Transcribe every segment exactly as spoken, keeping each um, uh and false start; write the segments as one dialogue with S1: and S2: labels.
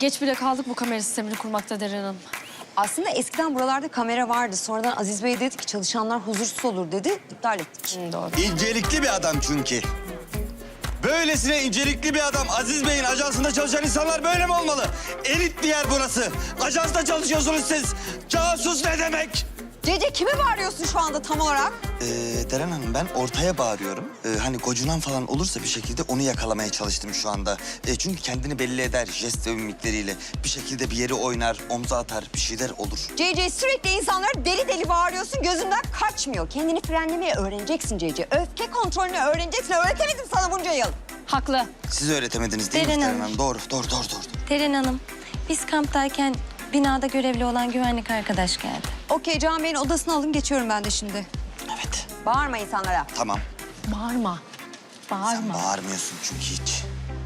S1: Geç bile kaldık bu kamera sistemini kurmakta Deren Hanım.
S2: Aslında eskiden buralarda kamera vardı. Sonradan Aziz Bey dedi ki çalışanlar huzursuz olur dedi. İptal ettik.
S1: Hı, doğru.
S3: İncelikli bir adam çünkü. Böylesine incelikli bir adam. Aziz Bey'in ajansında çalışan insanlar böyle mi olmalı? Elit bir yer burası. Ajansta çalışıyorsunuz siz. Casus ne demek?
S2: Cece kime bağırıyorsun şu anda tam olarak?
S3: Ee, Deren Hanım ben ortaya bağırıyorum. Ee, hani gocunan falan olursa bir şekilde onu yakalamaya çalıştım şu anda. Ee, çünkü kendini belli eder jest ve mimikleriyle. Bir şekilde bir yeri oynar, omza atar, bir şeyler olur.
S2: Cece sürekli insanlara deli deli bağırıyorsun. Gözünden kaçmıyor. Kendini frenlemeyi öğreneceksin Cece. Öfke kontrolünü öğreneceksin. Öğretemedim sana bunca yıl.
S1: Haklı.
S3: Siz öğretemediniz değil mi
S4: Deren
S3: Deren
S4: Hanım.
S3: Hanım? Doğru, doğru, doğru, doğru.
S4: Deren Hanım, biz kamptayken binada görevli olan güvenlik arkadaş geldi.
S2: Okey, Can Bey'in odasını alın. Geçiyorum ben de şimdi.
S3: Evet,
S2: Bağırma insanlara.
S3: tamam.
S1: Bağırma.
S3: Sen
S1: Bağırma.
S3: bağırmıyorsun çünkü hiç.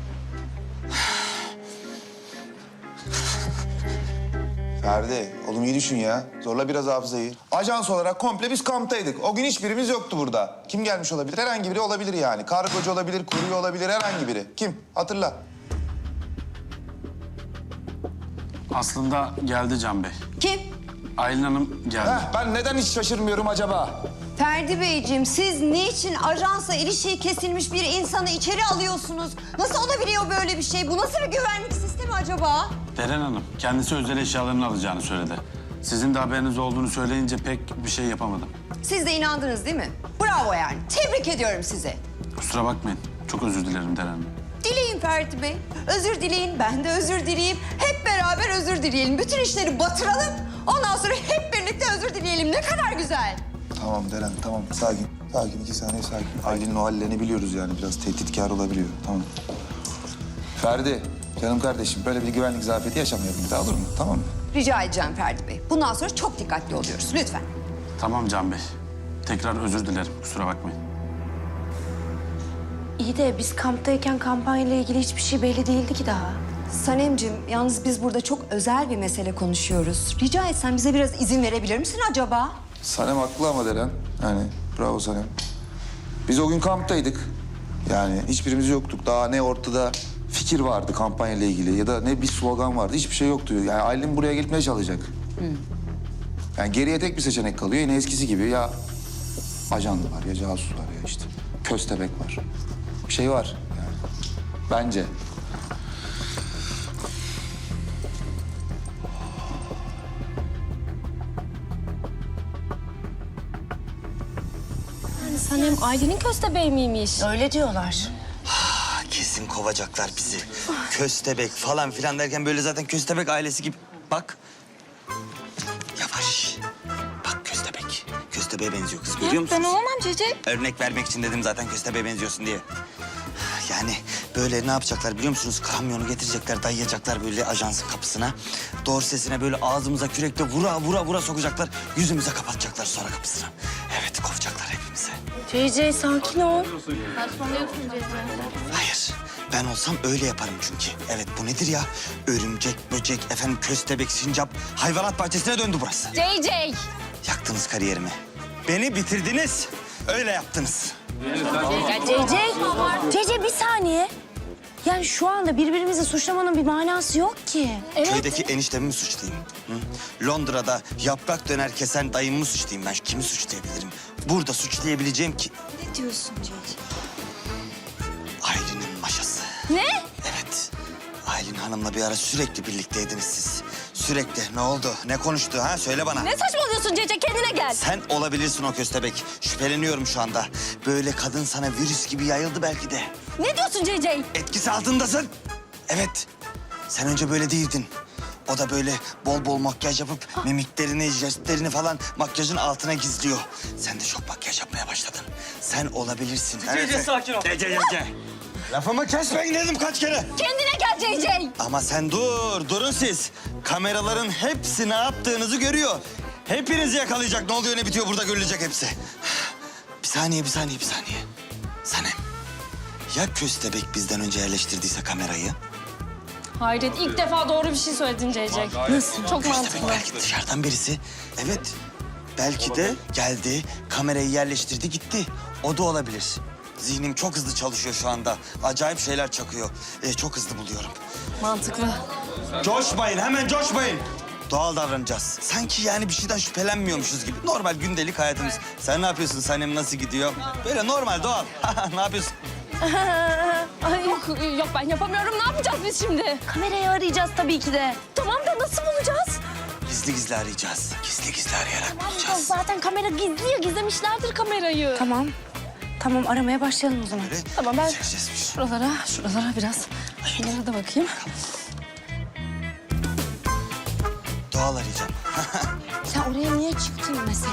S5: Ferdi, oğlum iyi düşün ya. Zorla biraz hafızayı. Ajans olarak komple biz kamptaydık. O gün hiçbirimiz yoktu burada. Kim gelmiş olabilir? Herhangi biri olabilir yani. Kargocu olabilir, kurye olabilir, herhangi biri. Kim? Hatırla.
S6: Aslında geldi Can Bey.
S2: Kim?
S6: Aylin Hanım geldi.
S5: Heh, ben neden hiç şaşırmıyorum acaba?
S2: Ferdi Beyciğim, siz niçin ajansla ilişiği kesilmiş bir insanı içeri alıyorsunuz? Nasıl olabiliyor böyle bir şey? Bu nasıl bir güvenlik sistemi acaba?
S6: Deren Hanım kendisi özel eşyalarını alacağını söyledi. Sizin de haberiniz olduğunu söyleyince pek bir şey yapamadım.
S2: Siz de inandınız değil mi? Bravo yani. Tebrik ediyorum sizi.
S6: Kusura bakmayın. Çok özür dilerim Deren Hanım.
S2: Dileyin Ferdi Bey. Özür dileyin, ben de özür dileyeyim. Hep beraber özür dileyelim. Bütün işleri batıralım. Ondan sonra hep birlikte özür dileyelim. Ne kadar güzel.
S5: Tamam Deren, tamam. Sakin. Sakin, iki saniye sakin. Aylin'in o hallerini biliyoruz yani. Biraz tehditkar olabiliyor. Tamam. Ferdi, canım kardeşim böyle bir güvenlik zafiyeti yaşamayalım bir daha, olur mu? Tamam mı?
S2: Rica edeceğim Ferdi Bey. Bundan sonra çok dikkatli oluyoruz. Lütfen.
S6: Tamam Can Bey. Tekrar özür dilerim. Kusura bakmayın.
S4: İyi de biz kamptayken kampanyayla ilgili hiçbir şey belli değildi ki daha.
S2: Sanemciğim, yalnız biz burada çok özel bir mesele konuşuyoruz. Rica etsem bize biraz izin verebilir misin acaba?
S5: Sanem haklı ama Deren. Yani bravo Sanem. Biz o gün kamptaydık. Yani hiçbirimiz yoktuk. Daha ne ortada fikir vardı kampanyayla ilgili ya da ne bir slogan vardı. Hiçbir şey yoktu. Yani Aylin buraya gitmeye çalışacak. Yani geriye tek bir seçenek kalıyor. Yine eskisi gibi ya ajan var ya casus var ya işte köstebek var. Bir şey var yani. Bence.
S1: Sanem Aylin'in köstebeği miymiş?
S4: Öyle diyorlar.
S3: Ah, kesin kovacaklar bizi. Köstebek falan filan derken böyle zaten köstebek ailesi gibi. Bak. Yavaş. Bak köstebek. Köstebeğe benziyor kız, görüyor musunuz?
S4: Ben olamam Cece.
S3: Örnek vermek için dedim zaten köstebeğe benziyorsun diye. Yani böyle ne yapacaklar biliyor musunuz? Kamyonu getirecekler, dayayacaklar böyle ajansın kapısına. Doğru sesine böyle ağzımıza kürekle vura vura vura sokacaklar. Yüzümüze kapatacaklar sonra kapısını. Evet, kovacaklar hepimizi.
S4: Cece sakin ol.
S3: Hayır, ben olsam öyle yaparım çünkü. Evet, bu nedir ya? Örümcek, böcek, efendim köstebek, sincap, hayvanat bahçesine döndü burası.
S1: J J.
S3: Yaktınız kariyerimi. Beni bitirdiniz. Öyle yaptınız.
S4: Ya Cece, Cece bir saniye. Yani şu anda birbirimizi suçlamanın bir manası yok ki.
S3: Köydeki eniştemi mi suçlayayım? Hı? Londra'da yaprak döner kesen dayımı mı suçlayayım ben? Kimi suçlayabilirim? Burada suçlayabileceğim ki...
S4: Ne diyorsun Cece?
S3: Aylin'in maşası.
S1: Ne?
S3: Evet. Aylin Hanım'la bir ara sürekli birlikteydiniz siz. Sürekli. Ne oldu? Ne konuştu ha? Söyle bana.
S1: Ne saçmalıyorsun Cece? Kendine gel.
S3: Sen olabilirsin o köstebek. Şüpheleniyorum şu anda. Böyle kadın sana virüs gibi yayıldı belki de.
S1: Ne diyorsun J J?
S3: Etkisi altındasın. Evet. Sen önce böyle değildin. O da böyle bol bol makyaj yapıp mimiklerini, jestlerini falan makyajın altına gizliyor. Sen de çok makyaj yapmaya başladın. Sen olabilirsin.
S7: Cece, sakin ol.
S3: Cece, Cece. Lafımı kesmeyin dedim kaç kere.
S1: Kendine gel J J.
S3: Ama sen dur, durun siz. Kameraların hepsi ne yaptığınızı görüyor. Hepinizi yakalayacak. Ne oluyor, ne bitiyor burada görülecek hepsi. Bir saniye, bir saniye, bir saniye. Sanem, ya köstebek bizden önce yerleştirdiyse kamerayı?
S1: Hayret, ilk defa doğru bir şey söyledin J J. Nasıl? Çok
S3: Köstebek
S1: mantıklı.
S3: belki dışarıdan birisi. Evet, belki de geldi, kamerayı yerleştirdi, gitti. O da olabilir. Zihnim çok hızlı çalışıyor şu anda. Acayip şeyler çakıyor. Ee, çok hızlı buluyorum.
S1: Mantıklı.
S3: Coşmayın, hemen coşmayın. Doğal davranacağız. Sanki yani bir şeyden şüphelenmiyormuşuz gibi. Normal gündelik hayatımız. Sen ne yapıyorsun? Sanem nasıl gidiyor? Böyle normal, doğal. Ne yapıyorsun?
S1: Ay yok, yok ben yapamıyorum. Ne yapacağız biz şimdi?
S4: Kamerayı arayacağız tabii ki de.
S1: Tamam da nasıl bulacağız?
S3: Gizli gizli arayacağız. Gizli gizli arayarak
S1: Tamam,
S3: bulacağız.
S1: zaten kamera gizli ya. Gizlemişlerdir kamerayı.
S4: Tamam. Tamam aramaya başlayalım o zaman.
S3: Böyle
S1: Tamam, ben-
S3: çekeceğiz biz.
S1: Şuralara, şuralara biraz. Şuralara da bakayım.
S3: Doğal arayacağım.
S4: Sen oraya niye çıktın mesela?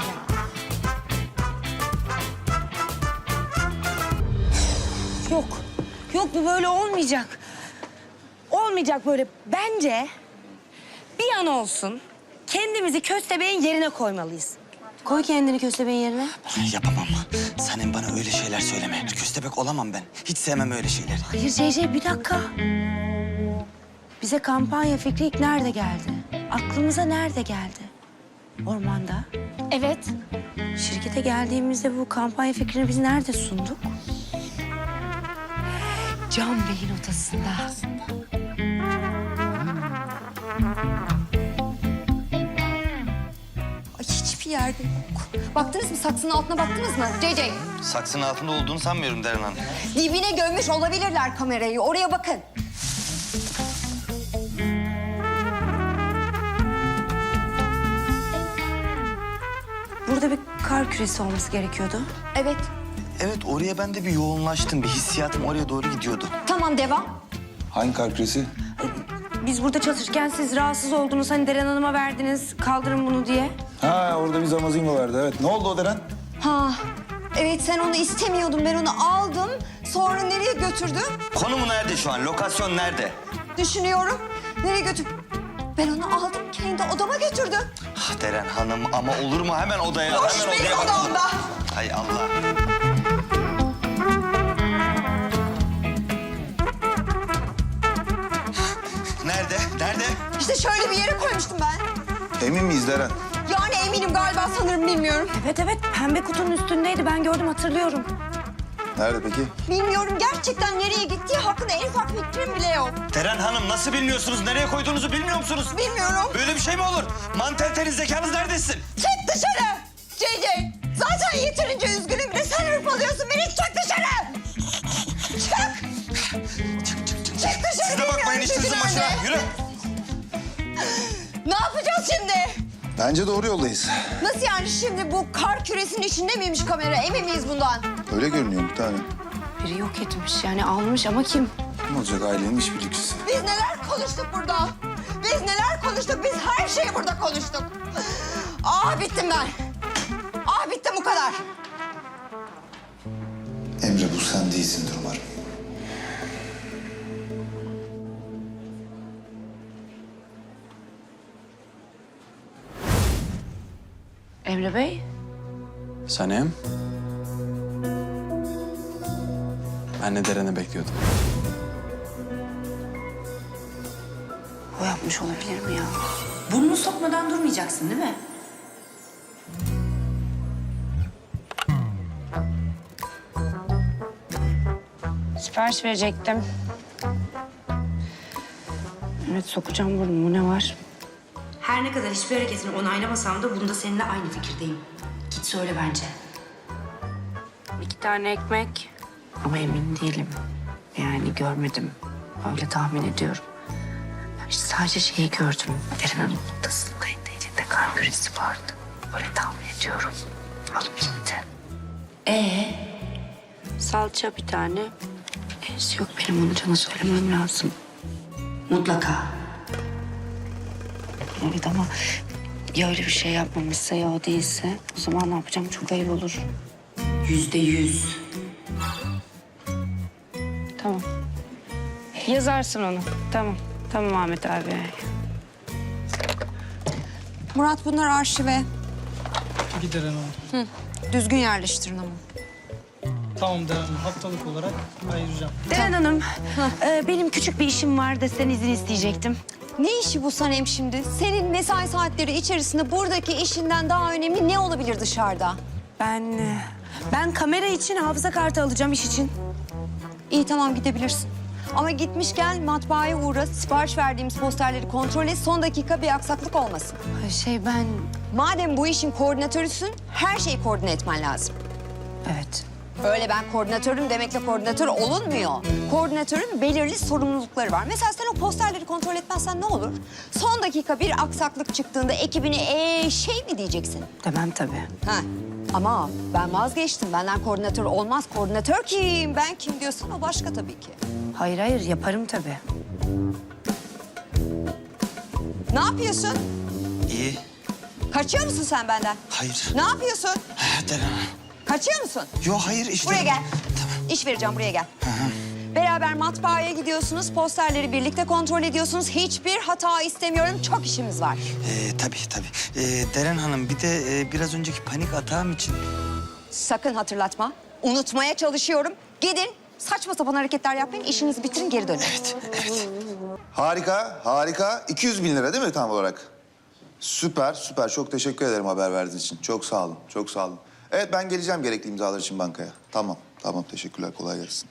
S4: Yok. Yok bu böyle olmayacak. Olmayacak böyle. Bence bir an olsun kendimizi köstebeğin yerine koymalıyız. Koy kendini köstebeğin yerine.
S3: Yapamam. Sanem bana öyle şeyler söyleme. Köstebek olamam ben. Hiç sevmem öyle şeyleri.
S4: Hayır C C bir dakika. Bize kampanya fikri ilk nerede geldi? Aklımıza nerede geldi? Ormanda.
S1: Evet.
S4: Şirkete geldiğimizde bu kampanya fikrini biz nerede sunduk? Can Bey'in odasında.
S2: Ay hiçbir yerde yok. Baktınız mı? Saksının altına baktınız mı? C C.
S3: Saksının altında olduğunu sanmıyorum Deren Hanım.
S2: Dibine gömmüş olabilirler kamerayı. Oraya bakın.
S4: Burada bir kar küresi olması gerekiyordu.
S2: Evet.
S3: Evet, oraya ben de bir yoğunlaştım. Bir hissiyatım oraya doğru gidiyordu.
S2: Tamam, devam.
S5: Hangi kar küresi?
S4: Biz burada çalışırken siz rahatsız oldunuz. Hani Deren Hanım'a verdiniz, kaldırın bunu diye.
S5: Ha orada bir zamazingo vardı evet. Ne oldu o Deren?
S2: Ha. Evet, sen onu istemiyordun. Ben onu aldım. Sonra nereye götürdüm?
S3: Konumu nerede şu an? Lokasyon nerede?
S2: Düşünüyorum. Nereye götür? Ben onu aldım, kendi odama götürdüm.
S3: Ah Deren Hanım ama olur mu? Hemen odaya,
S2: Boş
S3: hemen
S2: benim
S3: odaya bakalım.
S2: odamda.
S3: Hay Allah. Nerede? Nerede?
S2: İşte şöyle bir yere koymuştum ben.
S5: Emin miyiz Deren?
S2: Yani eminim galiba, sanırım, bilmiyorum.
S4: Evet evet pembe kutunun üstündeydi. Ben gördüm hatırlıyorum.
S5: Nerede peki?
S2: Bilmiyorum, gerçekten nereye gittiği hakkında en ufak fikrim bile yok.
S3: Deren Hanım nasıl bilmiyorsunuz? Nereye koyduğunuzu bilmiyor musunuz?
S2: Bilmiyorum.
S3: Böyle bir şey mi olur? Mantelteniz zekanız neredesin?
S2: Çık dışarı! C C! Zaten yeterince üzgünüm, bir de sen hırpalıyorsun beni. Çık dışarı! Çık!
S3: Çık çık çık.
S2: Çık dışarı!
S3: Siz de bakmayın
S2: bilmiyorum
S3: işinizin
S2: çünkü
S3: başına.
S2: nerede.
S3: Yürü.
S2: Ne yapacağız şimdi?
S5: Bence doğru yoldayız.
S2: Nasıl yani, şimdi bu kar küresinin içinde miymiş kamera? Emin miyiz bundan?
S5: Öyle görünüyor bir tane.
S4: Biri yok etmiş yani almış ama kim?
S5: Ne olacak ailenin işbirlikçisi?
S2: Biz neler konuştuk burada? Biz neler konuştuk? Biz her şeyi burada konuştuk. Ah bittim ben. Ah bittim, bu kadar.
S5: Emre bu sen değilsindir umarım.
S4: Emre Bey.
S6: Sanem. Ben de Deren'i bekliyordum.
S4: O yapmış olabilir mi ya? Burnunu sokmadan durmayacaksın değil mi? Sipariş verecektim. Evet sokacağım burnumu, ne var? Her ne kadar hiçbir hareketini onaylamasam da bunda seninle aynı fikirdeyim. Git söyle bence. İki tane ekmek. Ama emin değilim. Yani görmedim. Öyle tahmin ediyorum. Ben işte sadece şeyi gördüm. Deren Hanım'ın odasındaydı. Elinde kar küresi vardı. Öyle tahmin ediyorum. Alıp gitti. Ee? Salça bir tane. Neyse yok, benim onu Can'a söylemem lazım. Mutlaka. Evet ama ya öyle bir şey yapmamışsa ya o değilse o zaman ne yapacağım, çok ayıp olur. Yüzde yüz. Tamam. Yazarsın onu. Tamam. Tamam Ahmet abi.
S2: Murat, bunlar arşive.
S7: Giderim ama.
S2: Düzgün yerleştirin ama.
S7: Tamam Deren Hanım, haftalık olarak ayıracağım.
S4: Deren Hanım, e, benim küçük bir işim var da sizden izin isteyecektim.
S2: Ne işi bu Sanem şimdi? Senin mesai saatleri içerisinde buradaki işinden daha önemli ne olabilir dışarıda?
S4: Ben, e, ben kamera için hafıza kartı alacağım iş için.
S2: İyi, tamam, gidebilirsin. Ama gitmişken matbaaya uğra, sipariş verdiğimiz posterleri kontrol et. Son dakika bir aksaklık olmasın.
S4: Şey ben...
S2: Madem bu işin koordinatörüsün, her şeyi koordine etmen lazım.
S4: Evet.
S2: Öyle ben koordinatörüm demekle koordinatör olunmuyor. Koordinatörün belirli sorumlulukları var. Mesela sen o posterleri kontrol etmezsen ne olur? Son dakika bir aksaklık çıktığında ekibine ee, şey mi diyeceksin?
S4: Demem tabii.
S2: Ha. Ama ben vazgeçtim. Benden koordinatör olmaz. Koordinatör kim? Ben kim diyorsun? O başka tabii ki.
S4: Hayır hayır yaparım tabii.
S2: Ne yapıyorsun?
S3: İyi.
S2: Kaçıyor musun sen benden?
S3: Hayır.
S2: Ne yapıyorsun?
S3: Deren Hanım.
S2: Kaçıyor musun?
S3: Yok hayır işte.
S2: Buraya gel.
S3: Tamam.
S2: İş vereceğim, buraya gel. Beraber matbaaya gidiyorsunuz, posterleri birlikte kontrol ediyorsunuz. Hiçbir hata istemiyorum, çok işimiz var.
S3: Ee, tabii tabii. Ee, Deren Hanım bir de e, biraz önceki panik atağım için...
S2: Sakın hatırlatma. Unutmaya çalışıyorum. Gidin, saçma sapan hareketler yapmayın, işinizi bitirin, geri dönün.
S3: Evet, evet.
S5: Harika, harika. iki yüz bin lira değil mi tam olarak? Süper, süper. Çok teşekkür ederim haber verdiğiniz için. Çok sağ olun, çok sağ olun. Evet, ben geleceğim gerekli imzalar için bankaya. Tamam, tamam. Teşekkürler, kolay gelsin.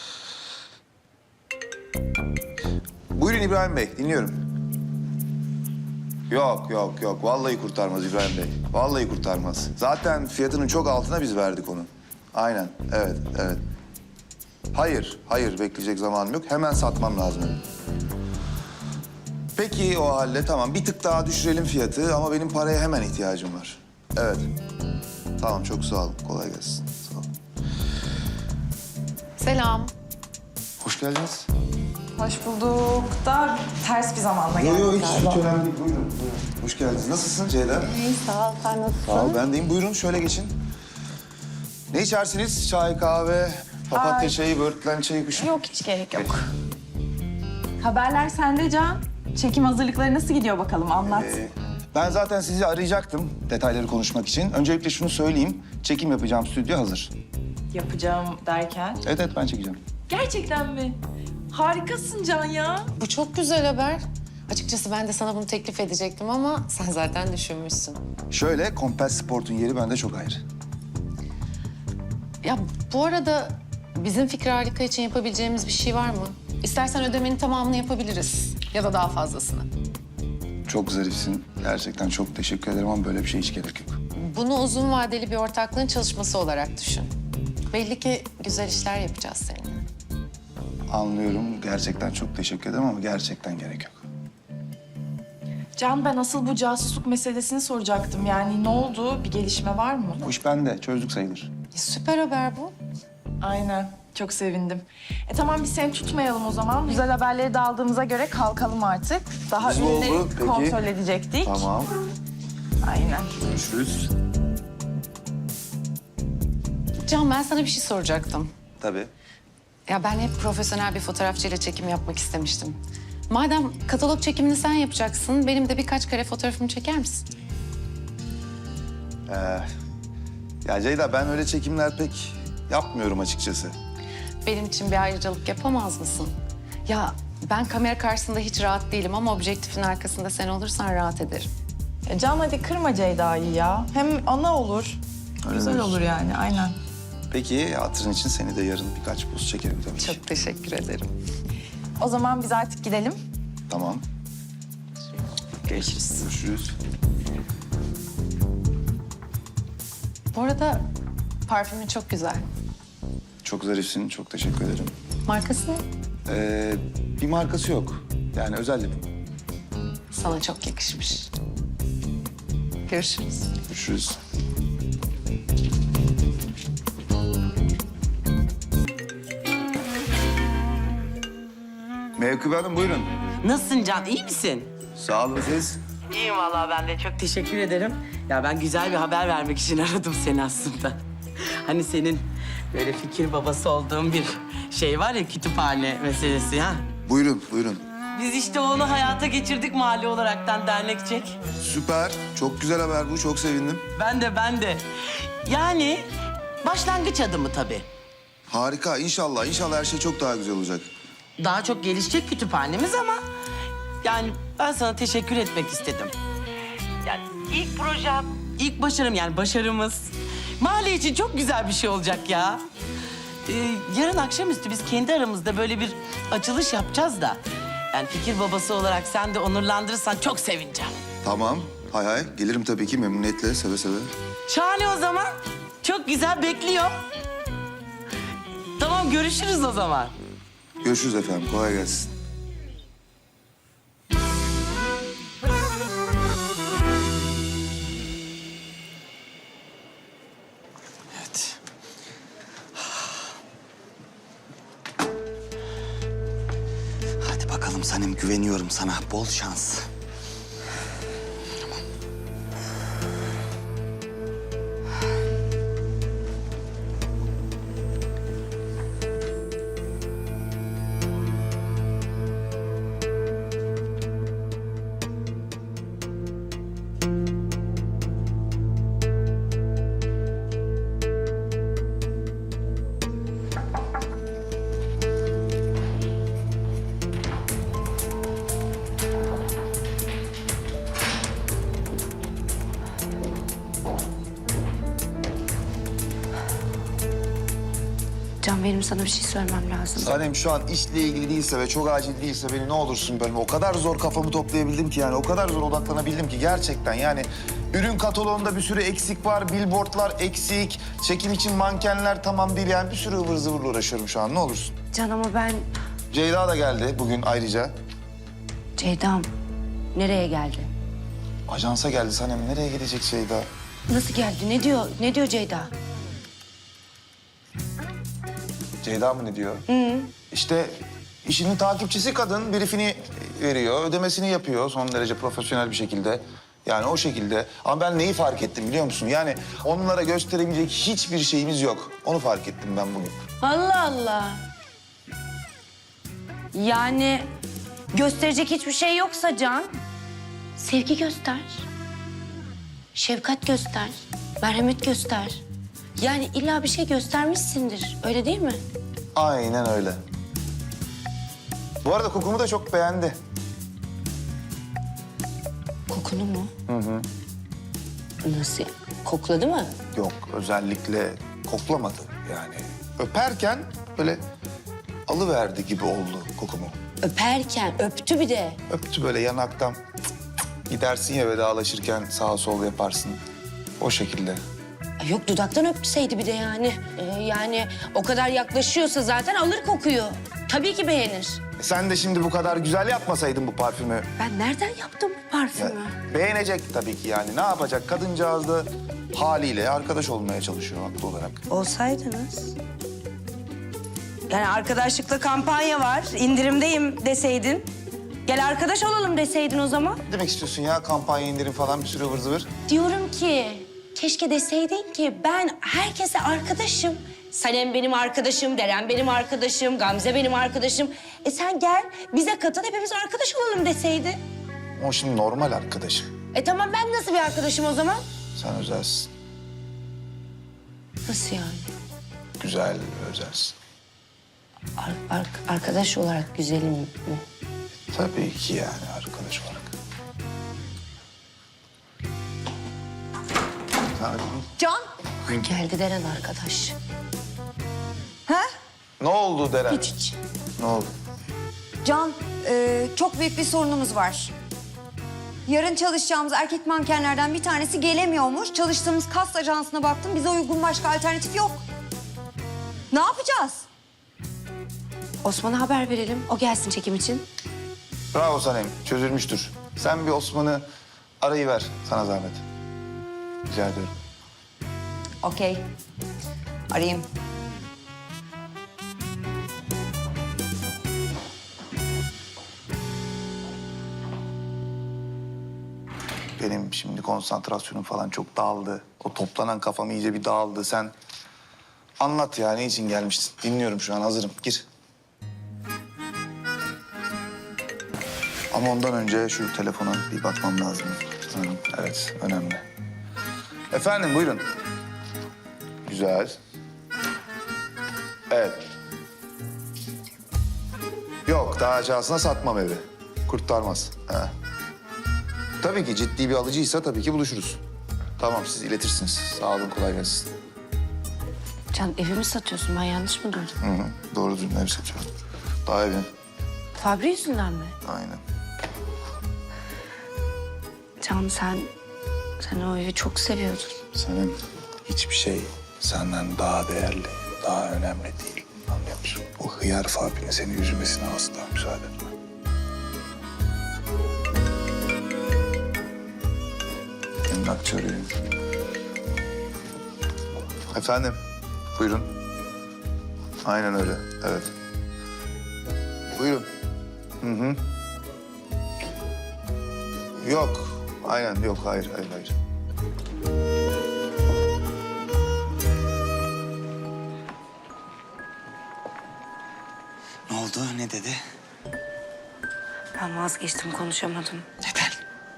S5: Buyurun İbrahim Bey, dinliyorum. Yok, yok, yok. Vallahi kurtarmaz İbrahim Bey. Vallahi kurtarmaz. Zaten fiyatının çok altına biz verdik onu. Aynen, evet, evet. Hayır, hayır. Bekleyecek zamanım yok. Hemen satmam lazım. Peki o halde tamam. Bir tık daha düşürelim fiyatı ama benim paraya hemen ihtiyacım var. Evet. Tamam, çok sağ olun. Kolay gelsin. Sağ olun.
S8: Selam.
S5: Hoş geldiniz.
S8: Hoş bulduk. Da ters bir zamanda
S5: Yok
S8: geldik
S5: yok hiç,
S8: galiba.
S5: hiç önemli değil. Buyurun, buyurun. Hoş geldiniz. Nasılsın Ceyda?
S8: İyi, sağ ol. Sen nasılsın?
S5: Sağ ol, ben deyim. Buyurun, şöyle geçin. Ne içersiniz? Çay, kahve, papatya
S8: Ay.
S5: çayı, böğürtlen çayı, kuşu.
S8: Yok, hiç gerek yok. Haberler sende Can. Çekim hazırlıkları nasıl gidiyor bakalım? Anlat.
S5: Ee, ben zaten sizi arayacaktım detayları konuşmak için. Öncelikle şunu söyleyeyim. Çekim yapacağım stüdyo hazır.
S8: Yapacağım derken.
S5: Evet, evet ben çekeceğim.
S8: Gerçekten mi? Harikasın Can ya.
S9: Bu çok güzel haber. Açıkçası ben de sana bunu teklif edecektim ama sen zaten düşünmüşsün.
S5: Şöyle, Compass Sport'un yeri bende çok ayrı.
S9: Ya bu arada bizim Fikri Harika için yapabileceğimiz bir şey var mı? İstersen ödemenin tamamını yapabiliriz ya da daha fazlasını.
S5: Çok zarifsin. Gerçekten çok teşekkür ederim ama böyle bir şey hiç gerek yok.
S9: Bunu uzun vadeli bir ortaklığın çalışması olarak düşün. Belli ki güzel işler yapacağız seninle.
S5: Anlıyorum. Gerçekten çok teşekkür ederim ama gerçekten gerek yok.
S8: Can, ben asıl bu casusluk meselesini soracaktım. Yani ne oldu? Bir gelişme var mı?
S5: Bu iş bende. Çözdük sayılır.
S9: E, süper haber bu.
S8: Aynen. Çok sevindim. E tamam, biz seni tutmayalım o zaman. Güzel haberleri de aldığımıza göre kalkalım artık. Daha
S5: Hızlı
S8: ürünleri
S5: oldu, peki.
S8: kontrol edecektik.
S5: Tamam.
S8: Aynen.
S5: Görüşürüz.
S9: Can, ben sana bir şey soracaktım.
S5: Tabii.
S9: Ya ben hep profesyonel bir fotoğrafçıyla çekim yapmak istemiştim. Madem katalog çekimini sen yapacaksın, benim de birkaç kare fotoğrafımı çeker misin?
S5: Ee, ya Ceyda ben öyle çekimler pek yapmıyorum açıkçası.
S9: Benim için bir ayrıcalık yapamaz mısın? Ya ben kamera karşısında hiç rahat değilim ama objektifin arkasında sen olursan rahat ederim.
S8: E Can, hadi kırma Ceyda'yı ya. Hem ana olur.
S5: Öyle
S8: Güzel
S5: diyorsun.
S8: olur yani, aynen.
S5: Peki hatırın için seni de yarın birkaç poz çekerim tabii ki.
S9: Çok teşekkür ederim.
S8: O zaman biz artık gidelim.
S5: Tamam.
S9: Görüşürüz.
S5: Görüşürüz.
S9: Bu arada parfümün çok güzel.
S5: Çok zarifsin. Çok teşekkür ederim.
S9: Markası ne?
S5: Ee, bir markası yok. Yani özel yapım.
S9: Sana çok yakışmış. Görüşürüz.
S5: Görüşürüz. Mevkübe Hanım buyurun.
S10: Nasılsın Can, iyi misin?
S5: Sağ olun siz.
S10: İyiyim vallahi, ben de çok teşekkür ederim. Ya ben güzel bir haber vermek için aradım seni aslında. Hani senin böyle fikir babası olduğun bir şey var ya, kütüphane meselesi ha.
S5: Buyurun, buyurun.
S10: Biz işte onu hayata geçirdik mahalle olaraktan dernekçek.
S5: Süper. Çok güzel haber bu. Çok sevindim.
S10: Ben de ben de. Yani başlangıç adımı tabii.
S5: Harika. İnşallah. İnşallah her şey çok daha güzel olacak.
S10: Daha çok gelişecek kütüphanemiz ama yani ben sana teşekkür etmek istedim. Yani ilk projem, ilk başarım yani başarımız mahalle için çok güzel bir şey olacak ya. Ee, yarın akşamüstü biz kendi aramızda böyle bir açılış yapacağız da. Yani fikir babası olarak sen de onurlandırırsan çok sevineceğim.
S5: Tamam. Hay hay. Gelirim tabii ki memnuniyetle, seve seve.
S10: Şahane o zaman. Çok güzel, bekliyorum. Tamam, görüşürüz o zaman.
S5: Görüşürüz efendim. Kolay gelsin.
S3: Evet. Hadi bakalım Sanem, güveniyorum sana. Bol şans.
S4: Can benim sana bir şey söylemem lazım.
S5: Sanem şu an işle ilgili değilse ve çok acil değilse beni ne olursun bölme. O kadar zor kafamı toplayabildim ki yani. O kadar zor odaklanabildim ki gerçekten yani. Ürün kataloğunda bir sürü eksik var. Billboardlar eksik. Çekim için mankenler tamam değil yani. Bir sürü ıvır zıvırla uğraşıyorum şu an. Ne olursun.
S4: Can ama ben...
S5: Ceyda da geldi bugün ayrıca.
S4: Ceyda'm nereye geldi?
S5: Ajansa geldi Sanem. Nereye gidecek Ceyda?
S4: Nasıl geldi? Ne diyor? Ne diyor Ceyda?
S5: Ceyda mı ne diyor? Hı. İşte işinin takipçisi kadın. Briefini veriyor, ödemesini yapıyor son derece profesyonel bir şekilde. Yani o şekilde. Ama ben neyi fark ettim biliyor musun? Yani onlara gösterebilecek hiçbir şeyimiz yok. Onu fark ettim ben bugün.
S4: Allah Allah. Yani gösterecek hiçbir şey yoksa Can, sevgi göster. Şefkat göster. Merhamet göster. Yani illa bir şey göstermişsindir. Öyle değil mi?
S5: Aynen öyle. Bu arada kokumu da çok beğendi.
S4: Kokunu mu? Hı hı. Nasıl? Kokladı mı?
S5: Yok, özellikle koklamadı yani. Öperken böyle alıverdi gibi oldu kokumu.
S4: Öperken öptü bir de.
S5: Öptü böyle yanaktan. Gidersin ya vedalaşırken sağa sol yaparsın. O şekilde.
S4: Ay yok dudaktan öpseydi bir de yani. Ee, yani o kadar yaklaşıyorsa zaten alır kokuyu. Tabii ki beğenir.
S5: E sen de şimdi bu kadar güzel yapmasaydın bu parfümü.
S4: Ben nereden yaptım bu
S5: Ya,
S4: parfümü?
S5: beğenecek tabii ki yani. Ne yapacak? Kadıncağız da haliyle arkadaş olmaya çalışıyor haklı olarak.
S4: Olsaydınız. Yani arkadaşlıkla kampanya var, indirimdeyim deseydin. Gel arkadaş olalım deseydin o zaman.
S5: Ne demek istiyorsun ya? Kampanya indirim falan bir sürü ıvır zıvır.
S4: Diyorum ki keşke deseydin ki ben herkese arkadaşım. Sanem benim arkadaşım, Deren benim arkadaşım, Gamze benim arkadaşım. E sen gel bize katıl hepimiz arkadaş olalım deseydin.
S5: O şimdi normal arkadaşım.
S4: E tamam ben nasıl bir arkadaşım o zaman?
S5: Sen özelsin.
S4: Nasıl yani?
S5: Güzel ve özelsin.
S4: Ar- ar- arkadaş olarak güzelim mi?
S5: Tabii ki yani arkadaş olarak. Hadi.
S2: Can.
S4: Geldi Deren arkadaş.
S2: Ha?
S5: Ne oldu Deren?
S4: Hiç hiç.
S5: Ne oldu?
S2: Can, e, çok büyük bir sorunumuz var. Yarın çalışacağımız erkek mankenlerden bir tanesi gelemiyormuş. Çalıştığımız kast ajansına baktım. Bize uygun başka alternatif yok. Ne yapacağız?
S4: Osman'a haber verelim. O gelsin çekim için.
S5: Bravo Sanem, çözülmüştür. Sen bir Osman'ı arayıver sana zahmet. Rica ediyorum.
S2: Okey. Arayayım.
S5: Benim şimdi konsantrasyonum falan çok dağıldı. O toplanan kafam iyice bir dağıldı. Sen anlat ya, ne için gelmiştin? Dinliyorum şu an, hazırım. Gir. Ama ondan önce şu telefona bir bakmam lazım. Hı, evet, önemli. Efendim, buyurun. Güzel. Evet. Yok, daha aşağısına satmam evi. Kurtarmaz. Ha. Tabii ki ciddi bir alıcıysa tabii ki buluşuruz. Tamam, siz iletirsiniz. Sağ olun, kolay gelsin.
S4: Can evimi satıyorsun. Ben yanlış mı duydum?
S5: Hı hı. Doğru düzgün ev satıyorum. Daha evin.
S4: Fabri yüzünden mi?
S5: Aynen.
S4: Can sen... Sen o evi çok seviyordun.
S5: Senin hiçbir şey senden daha değerli, daha önemli değil. Anlıyor musun? O hıyar Fabri'nin seni üzmesine asla müsaade etme. Emlakçı arıyor. Efendim, buyurun. Aynen öyle, evet. Buyurun. Hı hı. Yok, aynen yok, hayır, hayır, hayır.
S3: Ne oldu? Ne dedi?
S4: Ben vazgeçtim, konuşamadım.
S3: Neden?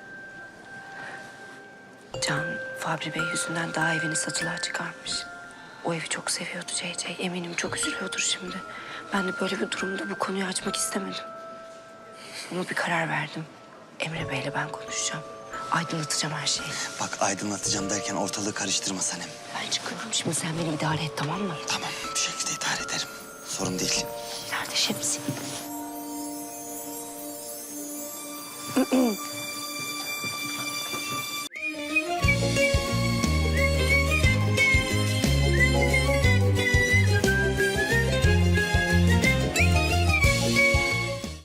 S4: Can, Fabri Bey yüzünden daha evini satılığa çıkarmış. O evi çok seviyordu C C. Eminim çok üzülüyordur şimdi. Ben de böyle bir durumda bu konuyu açmak istemedim. Ama bir karar verdim. Emre Bey'le ben konuşacağım. Aydınlatacağım her şeyi.
S3: Bak aydınlatacağım derken ortalığı karıştırma Sanem.
S4: Ben çıkıyorum şimdi, sen beni idare et, tamam mı?
S3: Tamam bir şekilde idare ederim. Sorun değil.
S4: Nerede şemsiye?